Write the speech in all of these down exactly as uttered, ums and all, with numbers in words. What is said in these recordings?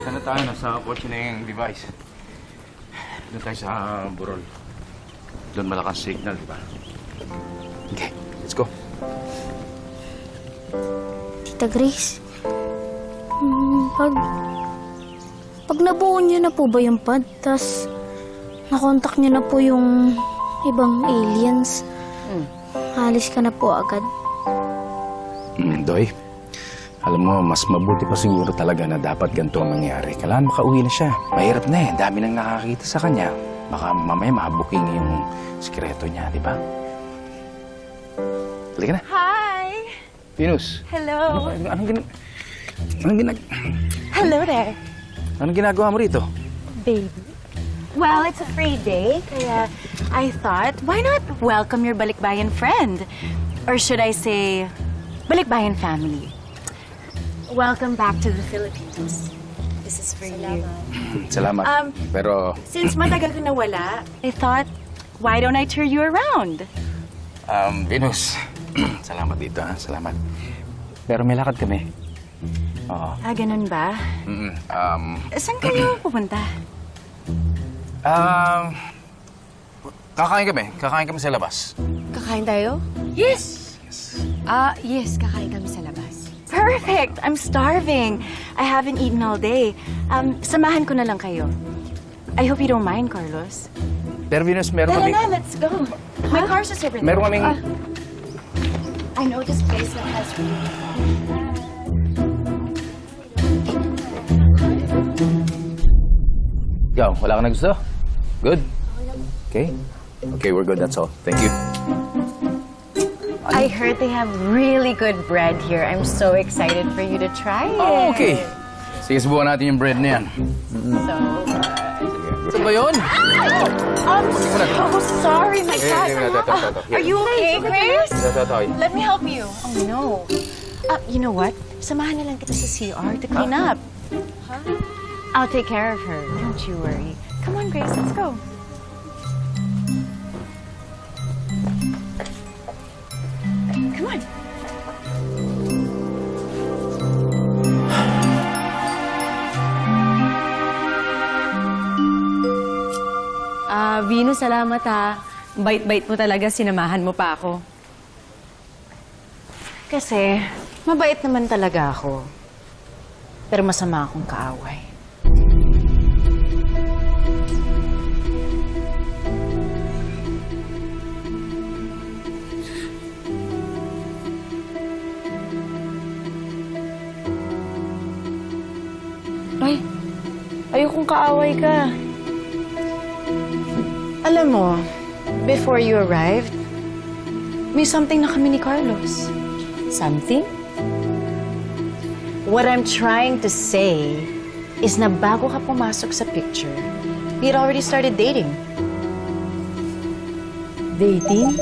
Sana tayo, nasa kotse na yung device. Doon tayo sa Burol. Doon malakas signal, di ba? Okay, let's go. Tita Grace, hmm, pag... Pag nabuo niyo na po ba yung pad, tas nakontak niyo na po yung ibang aliens, Hmm. alis ka na po agad. Mm, Doy, alam mo, mas mabuti pa siguro talaga na dapat ganito ang mangyari. Kailangan makauwi na siya. Mahirap na eh. Dami nang nakakita sa kanya. Baka mamaya mabuking yung sikreto niya, di ba? Halika na. Hi! Venus. Hello! Ano, anong, gina... anong, ginag... Hello there! anong ginagawa mo rito? Baby. Well, it's a free day, kaya I thought, why not welcome your balikbayan friend? Or should I say, balikbayan family? Welcome back to the Philippines. This is for you. Salamat. Um, Pero, Since matagal ka nawala, I thought, why don't I tour you around? um, Venus, salamat dito, ha? Salamat. Pero may lakad kami. Oo. Ah, ganun ba? Mm, um, Saan kayo pupunta? um, kakain kami. Kakain kami sa labas. Kakain tayo? Yes! Ah, yes, kakain kami sa labas. Perfect! I'm starving. I haven't eaten all day. Um, samahan ko na lang kayo. I hope you don't mind, Carlos. Pero Venus, meron Tara kami... na, let's go. My car's just over there. Meron kaming... Ah, I know this place that has Ikaw, wala ka na gusto? Good? Okay? Okay, we're good. That's all. Thank you. I heard they have really good bread here. I'm so excited for you to try it. Oh, okay. Sige, subukan natin yung bread na yan. So, Ito ba yun? I'm so sorry, my Here, God. here, ito, ito, ito. Here. Are you okay, Grace? Ito, ito, ito. Let me help you. Oh, no. Uh, you know what? Samahan na lang kita sa C R to clean up. Huh? I'll take care of her. Don't you worry. Come on, Grace. Let's go. Come on. Ah, Venus, salamat ha. Bait-bait mo talaga, sinamahan mo pa ako. Kasi, mabait naman talaga ako. Pero masama akong kaaway. Ay, ayokong kaaway ka. Alam mo, before you arrived, may something na kami ni Carlos. Something? What I'm trying to say is na bago ka pumasok sa picture, we had already started dating. Dating?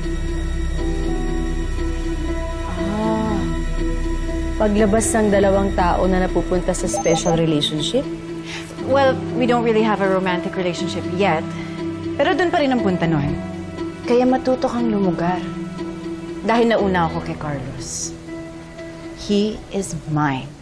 Ah, paglabas ng dalawang tao na napupunta sa special relationship? Well, we don't really have a romantic relationship yet. Pero doon pa rin ang punta nun. Kaya matuto kang lumugar. Dahil nauna ako kay Carlos. He is mine.